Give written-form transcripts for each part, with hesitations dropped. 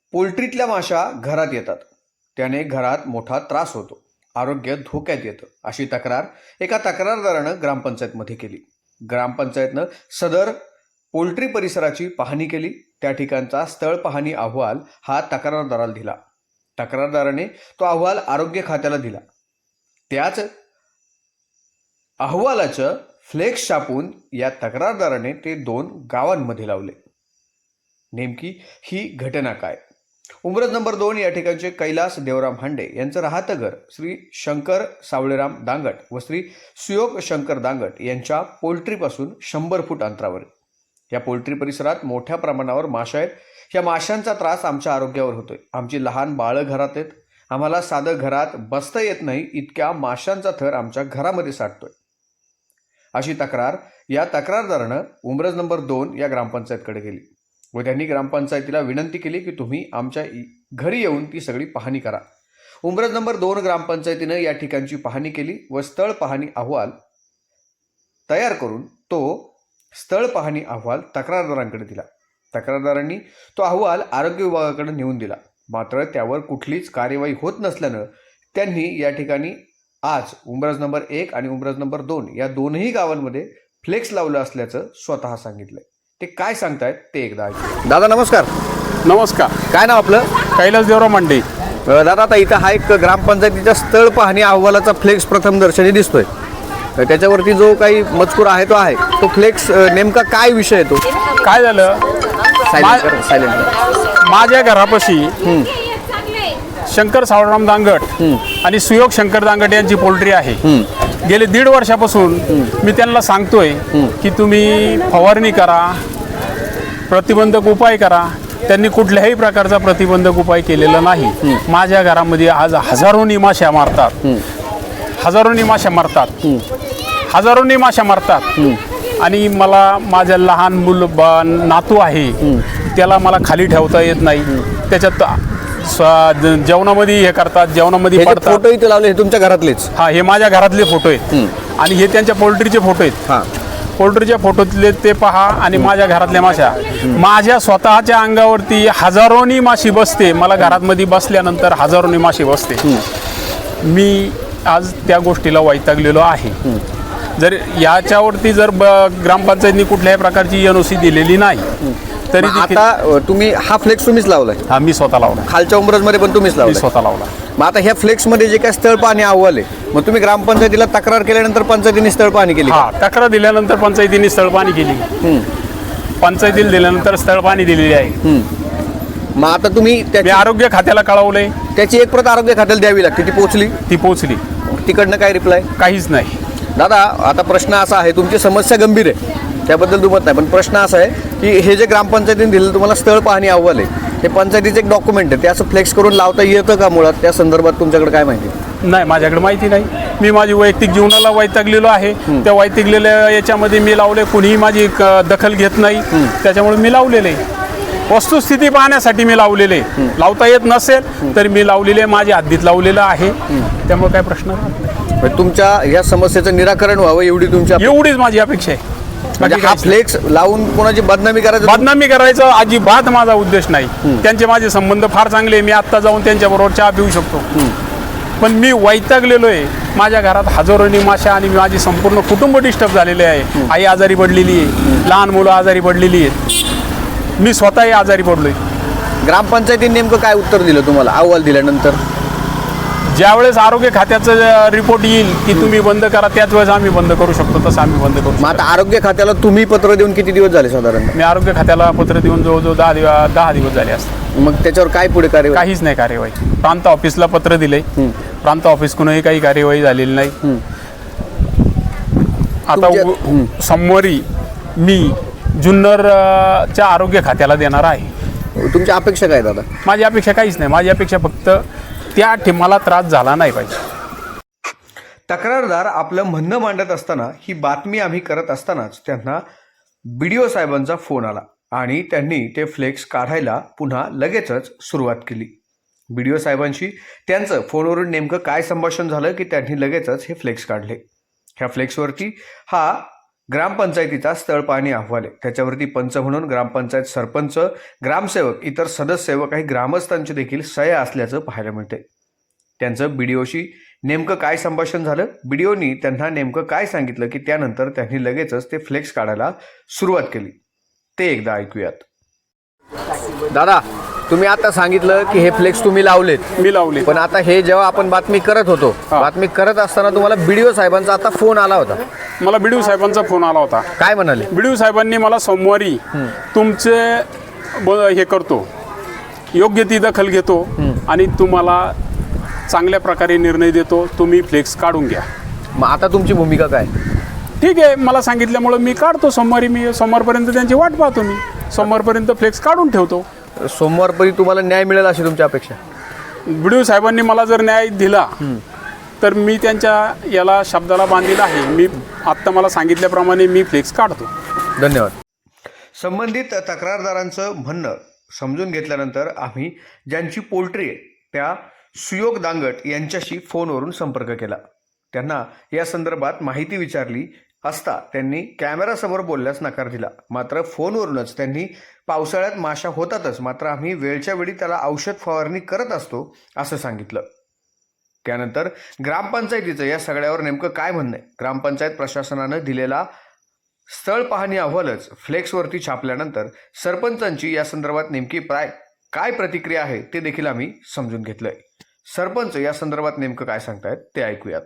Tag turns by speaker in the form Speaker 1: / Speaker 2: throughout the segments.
Speaker 1: पोल्ट्रीतल्या माशा घरात येतात. त्याने घरात मोठा त्रास होतो. आरोग्य धोक्यात येतं अशी तक्रार एका तक्रारदारानं ग्रामपंचायतमध्ये केली. ग्रामपंचायतनं सदर पोल्ट्री परिसराची पाहणी केली. त्या ठिकाणचा स्थळ पाहणी अहवाल हा तक्रारदाराला दिला. तक्रारदाराने तो अहवाल आरोग्य खात्याला दिला. त्याच अहवालाचं फ्लेक्स छापून या तक्रारदाराने ते 2 गावांमध्ये लावले. नेमकी ही घटना काय? उमरज नंबर 2 या ठिकाणचे कैलास देवराम हांडे यांचं राहतं घर श्री शंकर सावळेराम दांगट व श्री सुयोग शंकर दांगट यांच्या पोल्ट्रीपासून 100 फूट अंतरावर. या पोल्ट्री परिसरात मोठ्या प्रमाणावर माशा आहेत. या माशांचा त्रास आमच्या आरोग्यावर होतोय. आमची लहान बाळं घरात आहेत. आम्हाला साधं घरात बसता येत नाही इतक्या माशांचा थर आमच्या घरामध्ये साठतोय अशी तक्रार या तक्रारदारानं उमरज नंबर 2 या ग्रामपंचायतकडे केली व त्यांनी ग्रामपंचायतीला विनंती केली की तुम्ही आमच्या घरी येऊन ती सगळी पाहणी करा. उमरज नंबर 2 ग्रामपंचायतीनं या ठिकाणची पाहणी केली व स्थळ पाहणी अहवाल तयार करून तो स्थळ पाहणी अहवाल तक्रारदारांकडे दिला. तक्रारदारांनी तो अहवाल आरोग्य विभागाकडे नेऊन दिला. मात्र त्यावर कुठलीच कार्यवाही होत नसल्यानं त्यांनी या ठिकाणी आज उमरज नंबर 1 आणि उमरज नंबर 2 या दोनही गावांमध्ये फ्लेक्स लावलं असल्याचं स्वतः सांगितलंय. ते काय सांगतायत ते एकदा ऐकू. दादा नमस्कार.
Speaker 2: नमस्कार.
Speaker 1: काय नाव आपलं?
Speaker 2: कैलास देवराम हांडे.
Speaker 1: दादा आता इथं हा एक ग्रामपंचायतीच्या स्थळ पाहणी अहवालाचा फ्लेक्स प्रथम दर्शनी दिसतोय. त्याच्यावरती जो काही मजकूर आहे तो फ्लेक्स नेमका काय विषय आहे? तो
Speaker 2: काय झालं, माझ्या घरापाशी शंकर सावळराम दांगट आणि सुयोग शंकर दांगट यांची पोल्ट्री आहे. गेले 1.5 वर्षापासून मी त्यांना सांगतोय की तुम्ही फवारणी करा, प्रतिबंधक उपाय करा. त्यांनी कुठल्याही प्रकारचा प्रतिबंधक उपाय केलेला नाही. माझ्या घरामध्ये आज हजारोनी माशा मारतात आणि मला माझ्या लहान नातू आहे, त्याला मला खाली ठेवता येत नाही. त्याच्यात जेवणामध्ये हे करतात, जेवणामध्ये पडतात.
Speaker 1: फोटो इथे लावले तुमच्या घरातलेच?
Speaker 2: हा, हे माझ्या घरातले फोटो आहेत आणि हे त्यांच्या पोल्ट्रीचे फोटो आहेत. पोल्ट्रीच्या फोटोतले ते पहा आणि माझ्या घरातल्या माशा. माझ्या स्वतःच्या अंगावरती हजारोनी माशी बसते. मला घरामध्ये बसल्यानंतर हजारोनी माशी बसते. मी आज त्या गोष्टीला वैतागलेलो आहे. जर याच्यावरती जर ग्रामपंचायतीने कुठल्याही प्रकारची NOC दिलेली नाही तरी
Speaker 1: आता तुम्ही हा फ्लेक्स तुम्हीच लावलाय?
Speaker 2: हा, मी स्वतः लावला.
Speaker 1: खालच्या उमरजमध्ये पण तुम्हीच लावला?
Speaker 2: स्वतः लावला.
Speaker 1: मग आता ह्या फ्लेक्समध्ये जे काय स्थळ पाहणी अहवाल आहे, मग तुम्ही ग्रामपंचायतीला तक्रार केल्यानंतर पंचायतीने स्थळ पाहणी केली?
Speaker 2: हा, तक्रार दिल्यानंतर पंचायतीने स्थळ पाहणी केली. पंचायतीला दिल्यानंतर स्थळ पाहणी दिलेली आहे.
Speaker 1: मग आता तुम्ही
Speaker 2: मी आरोग्य खात्याला कळवलंय.
Speaker 1: त्याची एक प्रत आरोग्य खात्याला द्यावी लागते. ती पोहोचली? तिकडनं काय रिप्लाय?
Speaker 2: काहीच नाही.
Speaker 1: दादा आता प्रश्न असा आहे, तुमची समस्या गंभीर आहे, त्याबद्दल दुमत नाही, पण प्रश्न असा आहे की हे जे ग्रामपंचायतीने दिलेलं तुम्हाला स्थळ पाहणी अहवाल आहे, हे पंचायतीचं एक डॉक्युमेंट आहे, ते असं फ्लेक्स करून लावता येतं का मुळात? त्या संदर्भात तुमच्याकडे काय माहिती?
Speaker 2: नाही, माझ्याकडे माहिती नाही. मी माझी वैयक्तिक जीवनाला वैतागलेलो आहे. त्या वैतागलेल्या याच्यामध्ये मी लावले, कुणीही माझी दखल घेत नाही, त्याच्यामुळे मी लावलेले. वस्तुस्थिती पाहण्यासाठी मी लावलेले. लावता येत नसेल तरी मी लावलेले, माझ्या हद्दीत लावलेलं आहे, त्यामुळे काय प्रश्न नाही.
Speaker 1: तुमच्या या समस्येचं निराकरण व्हावं
Speaker 2: एवढीच माझी अपेक्षा आहे.
Speaker 1: म्हणजे हा फ्लेक्स लावून कोणाची बदनामी
Speaker 2: करायचं अजिबात माझा उद्देश नाही. त्यांचे माझे संबंध फार चांगले. मी आत्ता जाऊन त्यांच्याबरोबर चहा पिऊ शकतो. पण मी वैतागलेलो आहे. माझ्या घरात हजारोनी माशा आणि माझी संपूर्ण कुटुंब डिस्टर्ब झालेले आहे. आई आजारी पडलेली आहे, लहान मुलं आजारी पडलेली आहेत, मी स्वतःही आजारी पडलोय.
Speaker 1: ग्रामपंचायतीने नेमकं काय उत्तर दिलं तुम्हाला अहवाल दिल्यानंतर?
Speaker 2: ज्यावेळेस आरोग्य खात्याचं रिपोर्ट येईल की तुम्ही बंद करा, त्याच वेळेस आम्ही बंद करू शकतो, तसं आम्ही बंद करू.
Speaker 1: मग आता आरोग्य खात्याला तुम्ही पत्र देऊन किती दिवस झाले साधारण?
Speaker 2: मी आरोग्य खात्याला पत्र देऊन जवळजवळ 10 दिवस झाले असतात.
Speaker 1: मग त्याच्यावर काय पुढे कार्यवाही?
Speaker 2: काहीच नाही कार्यवाही. प्रांत ऑफिसला पत्र दिले, प्रांत ऑफिसकडूनही काही कार्यवाही झालेली नाही. आता सोमवारी मी जुन्नरच्या आरोग्य खात्याला देणार आहे.
Speaker 1: तुमची अपेक्षा काय दादा?
Speaker 2: माझी अपेक्षा काहीच नाही. माझी अपेक्षा फक्त त्या मला त्रास झाला नाही पाहिजे.
Speaker 1: तक्रारदार आपलं म्हणणं मांडत असताना ही बातमी आम्ही करत असतानाच त्यांना BDO साहेबांचा फोन आला आणि त्यांनी ते फ्लेक्स काढायला पुन्हा लगेचच सुरुवात केली. BDO साहेबांशी त्यांचं फोनवरून नेमकं काय संभाषण झालं की त्यांनी लगेचच हे फ्लेक्स काढले. ह्या फ्लेक्सवरती हा ग्रामपंचायतीचा स्थळ पाहणी अहवाल आहे. त्याच्यावरती पंच म्हणून ग्रामपंचायत सरपंच, ग्रामसेवक, इतर सदस्य व काही ग्रामस्थांची देखील सह्या असल्याचं पाहायला मिळते. त्यांचं बीडीओशी नेमकं काय संभाषण झालं, बीडीओनी त्यांना नेमकं काय सांगितलं की त्यानंतर त्यांनी लगेचच ते फ्लेक्स काढायला सुरुवात केली, ते एकदा ऐकूयात. दादा, तुम्ही आता सांगितलं की हे फ्लेक्स तुम्ही लावलेत.
Speaker 2: मी लावले.
Speaker 1: पण आता हे जेव्हा आपण बातमी करत होतो, बातमी करत असताना तुम्हाला बीडीओ साहेबांचा आता फोन आला होता.
Speaker 2: मला बीडीओ साहेबांचा फोन आला होता.
Speaker 1: काय म्हणाले?
Speaker 2: बीडीओ साहेबांनी मला सोमवारी तुमचे हे करतो, योग्य ती दखल घेतो आणि तुम्हाला चांगल्या प्रकारे निर्णय देतो, तुम्ही फ्लेक्स काढून घ्या.
Speaker 1: मग आता तुमची भूमिका काय?
Speaker 2: ठीक आहे, मला सांगितल्यामुळं मी काढतो सोमवारी. मी सोमवारपर्यंत त्यांची वाट पाहतो. मी सोमवारपर्यंत फ्लेक्स काढून ठेवतो.
Speaker 1: सोमवारपर्यंत तुम्हाला न्याय मिळेल अशी तुमची अपेक्षा?
Speaker 2: बीडीओ साहेबांनी मला जर न्याय दिला तर मी त्यांच्या याला शब्दाला बांधलेला आहे. मी आत्ता मला सांगितल्याप्रमाणे मी फ्लेक्स काढतो.
Speaker 1: धन्यवाद. संबंधित तक्रारदारांचं म्हणणं समजून घेतल्यानंतर आम्ही ज्यांची पोल्ट्री आहे त्या सुयोग दांगट यांच्याशी फोनवरून संपर्क केला. त्यांना या संदर्भात माहिती विचारली असता त्यांनी कॅमेरासमोर बोलण्यास नकार दिला. मात्र फोनवरूनच त्यांनी पावसाळ्यात माशा होतातच, मात्र आम्ही वेळच्या वेळी त्याला औषध फवारणी करत असतो असं सांगितलं. त्यानंतर ग्रामपंचायतीचं या सगळ्यावर नेमकं काय म्हणणं आहे, ग्रामपंचायत प्रशासनानं दिलेला स्थळ पाहणी अहवालच फ्लेक्सवरती छापल्यानंतर सरपंचांची या संदर्भात नेमकी काय प्रतिक्रिया आहे ते देखील आम्ही समजून घेतलंय. सरपंच या संदर्भात नेमकं काय सांगतायत ते ऐकूयात.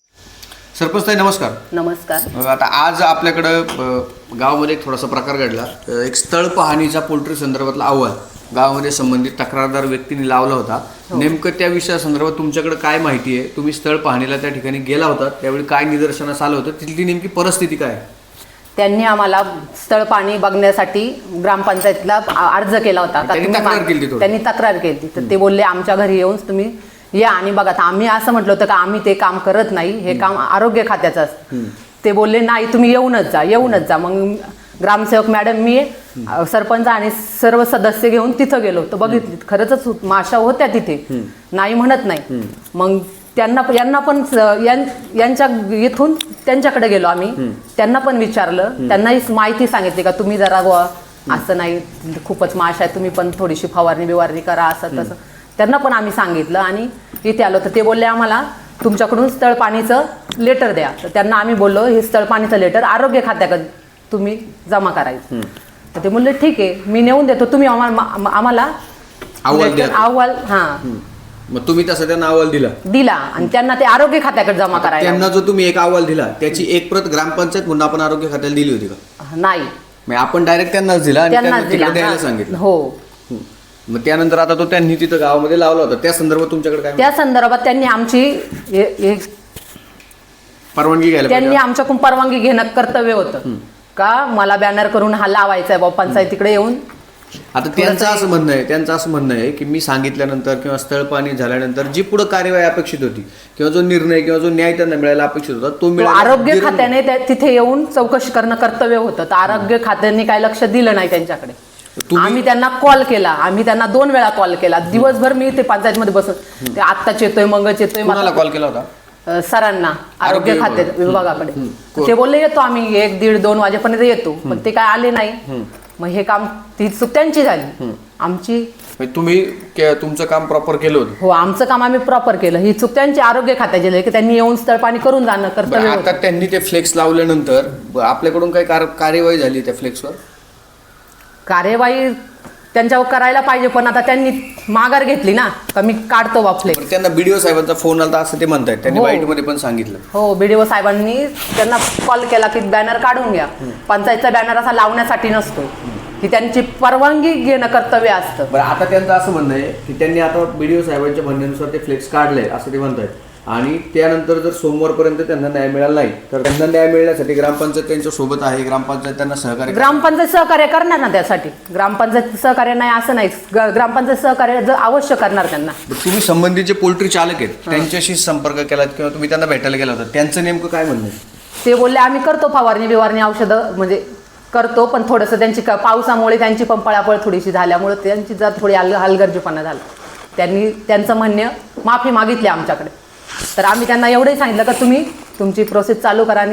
Speaker 1: सरपंच ताई, नमस्कार.
Speaker 3: नमस्कार.
Speaker 1: आता आज आपल्याकडं गावामध्ये एक थोडासा प्रकार घडला. एक स्थळ पाहणीचा पोल्ट्री संदर्भातला अहवाल गावामध्ये संबंधित तक्रारदार व्यक्तीने लावला होता. नेमकं त्या विषयासंदर्भात तुमच्याकडे काय माहिती आहे? तुम्ही स्थळ पाहणीला त्या ठिकाणी गेला होता, त्यावेळी काय निदर्शनास आलं होतं, तिथली नेमकी परिस्थिती काय?
Speaker 3: त्यांनी आम्हाला स्थळ पाणी बघण्यासाठी ग्रामपंचायतीला अर्ज केला होता. त्यांनी तक्रार केली. तर ते बोलले आमच्या घरी येऊन तुम्ही या आणि बघा. आम्ही असं म्हटलं होतं का आम्ही ते काम करत नाही, हे काम आरोग्य खात्याचं असतं. ते बोलले नाही, तुम्ही येऊनच जा. मग ग्रामसेवक मॅडम, मी सरपंच आणि सर्व सदस्य घेऊन तिथं गेलो. तर बघितली खरंच माशा होत्या तिथे, नाही म्हणत नाही. मग यांना पण यांच्या इथून त्यांच्याकडे गेलो आम्ही. त्यांना पण विचारलं, त्यांनाही माहिती सांगितली का तुम्ही जरा असं नाही, खूपच माशा आहे, तुम्ही पण थोडीशी फवारणी करा, असं तसं त्यांना पण आम्ही सांगितलं. आणि इथे आलो तर ते बोलले आम्हाला तुमच्याकडून स्थळ पाणीचं लेटर द्या. तर त्यांना आम्ही बोललो हे स्थळ पाणीचं लेटर आरोग्य खात्याकडे तुम्ही जमा करायचं. तर ते बोलले ठीक आहे, मी नेऊन देतो, तुम्ही आम्हाला अहवाल.
Speaker 1: मग तुम्ही तसं त्यांना अहवाल
Speaker 3: दिला आणि त्यांना ते आरोग्य खात्याकडे जमा करायला.
Speaker 1: त्यांना जो तुम्ही एक अहवाल दिला त्याची एक प्रत ग्रामपंचायत म्हणून आपण आरोग्य खात्याला दिली होती का?
Speaker 3: नाही,
Speaker 1: आपण डायरेक्ट त्यांनाच दिला आणि त्यांना द्यायला सांगितलं.
Speaker 3: हो.
Speaker 1: मग त्यानंतर आता तो त्यांनी तिथं गावामध्ये लावला होता, त्या संदर्भात तुमच्याकडे काय?
Speaker 3: त्या संदर्भात त्यांनी आमची
Speaker 1: परवानगी घ्यायला
Speaker 3: त्यांनी आमच्याकडून परवानगी घेणं कर्तव्य होतं का मला बॅनर करून हा लावायचा आहे बाबा पंचायतीकडे येऊन.
Speaker 1: आता त्यांचं असं म्हणणं आहे की मी सांगितल्यानंतर किंवा स्थळ पाणी झाल्यानंतर जी पुढे कार्यवाही अपेक्षित होती किंवा जो निर्णय किंवा जो न्याय त्यांना मिळायला अपेक्षित होता तो मिळाला.
Speaker 3: आरोग्य खात्याने तिथे येऊन चौकशी करणं कर्तव्य होतं. तर आरोग्य खात्याने काय लक्ष दिलं नाही त्यांच्याकडे. आम्ही त्यांना कॉल केला, आम्ही त्यांना 2 वेळा कॉल केला. दिवसभर मी ते पंचायतमध्ये बसून ते आत्ताच येतोय मंगच येतोय.
Speaker 1: मला कॉल केला होता
Speaker 3: सरांना, आरोग्य खाते विभागाकडे. ते बोलले येतो आम्ही 1, 1:30, 2 वाजेपर्यंत येतो, पण ते काय आले नाही. मग हे काम ती चूक त्यांची झाली. आमची
Speaker 1: तुम्ही तुमचं काम प्रॉपर केलं होतं?
Speaker 3: हो, आमचं काम आम्ही प्रॉपर केलं. ही चूक त्यांची आरोग्य खात्याची झाली की त्यांनी येऊन स्थळ पाणी करून जाणं कर्तव्य.
Speaker 1: आता त्यांनी ते फ्लेक्स लावल्यानंतर आपल्याकडून काही कार्यवाही झाली त्या फ्लेक्सवर?
Speaker 3: कार्यवाही त्यांच्यावर करायला पाहिजे, पण आता त्यांनी माघार घेतली ना का मी काढतो बा फ्लेक्स.
Speaker 1: त्यांना बीडीओ साहेबांचा फोन आला असं ते म्हणतायत, त्यांनी बाईटमध्ये पण सांगितलं.
Speaker 3: हो, बीडीओ साहेबांनी त्यांना कॉल केला की बॅनर काढून घ्या. पंचायतचा बॅनर असा लावण्यासाठी नसतो, की त्यांची परवानगी घेणं कर्तव्य असतं.
Speaker 1: बरं, आता त्यांचं असं म्हणणं आहे की त्यांनी आता बीडीओ साहेबांच्या म्हणण्यानुसार ते फ्लेक्स काढले असं ते म्हणतायत. आणि त्यानंतर जर सोमवारपर्यंत त्यांना न्याय मिळाला नाही तर त्यांना न्याय मिळण्यासाठी ग्रामपंचायत त्यांच्या सोबत आहे, ग्रामपंचायत त्यांना
Speaker 3: ग्रामपंचायत सहकार्य करणार ना. त्यासाठी ग्रामपंचायत सहकार्य नाही असं नाही, ग्रामपंचायत सहकार्य जर अवश्य करणार त्यांना.
Speaker 1: तुम्ही संबंधित पोल्ट्री चालक आहेत त्यांच्याशी संपर्क केलात किंवा तुम्ही त्यांना भेटायला गेला होता, त्यांचं नेमकं काय म्हणणं आहे?
Speaker 3: ते बोलले आम्ही करतो फवारणी औषधं म्हणजे करतो, पण थोडंसं त्यांची पावसामुळे त्यांची पण पळापळ थोडीशी झाल्यामुळे त्यांची जर थोडी हलगर्जीपणा झाला. त्यांनी त्यांचं म्हणणं माफी मागितली आमच्याकडे. तर आम्ही त्यांना एवढंही सांगितलं का तुम्ही तुमची प्रोसेस चालू करा आणि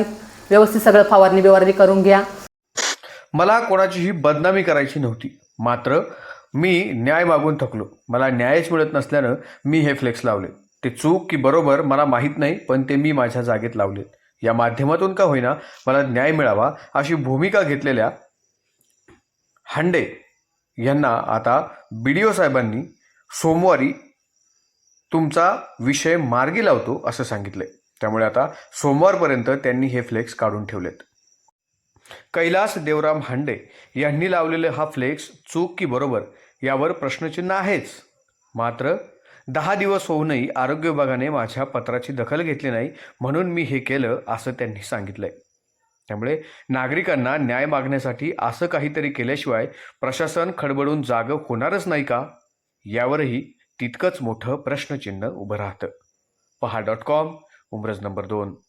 Speaker 3: व्यवस्थित सगळं फवारणी बिवारणी करून घ्या.
Speaker 1: मला कोणाचीही बदनामी करायची नव्हती, मात्र मी न्याय मागून थकलो. मला न्यायच मिळत नसल्यानं मी हे फ्लेक्स लावले. ते चूक की बरोबर मला माहीत नाही, पण ते मी माझ्या जागेत लावले. या माध्यमातून का होईना मला न्याय मिळावा अशी भूमिका घेतलेल्या हांडे यांना आता BDO साहेबांनी सोमवारी तुमचा विषय मार्गी लावतो असं सांगितलंय. त्यामुळे आता सोमवारपर्यंत त्यांनी हे फ्लेक्स काढून ठेवलेत. कैलास देवराम हांडे यांनी लावलेले हा फ्लेक्स चूक की बरोबर यावर प्रश्नचिन्ह आहेच. मात्र 10 दिवस होऊनही आरोग्य विभागाने माझ्या पत्राची दखल घेतली नाही, म्हणून मी हे केलं असं त्यांनी सांगितलंय. त्यामुळे नागरिकांना न्याय मागण्यासाठी असं काहीतरी केल्याशिवाय प्रशासन खडबडून जागं होणारच नाही का, यावरही तितकंच मोठं प्रश्नचिन्ह उभं राहतं. पहा.com, उमरज नंबर 2.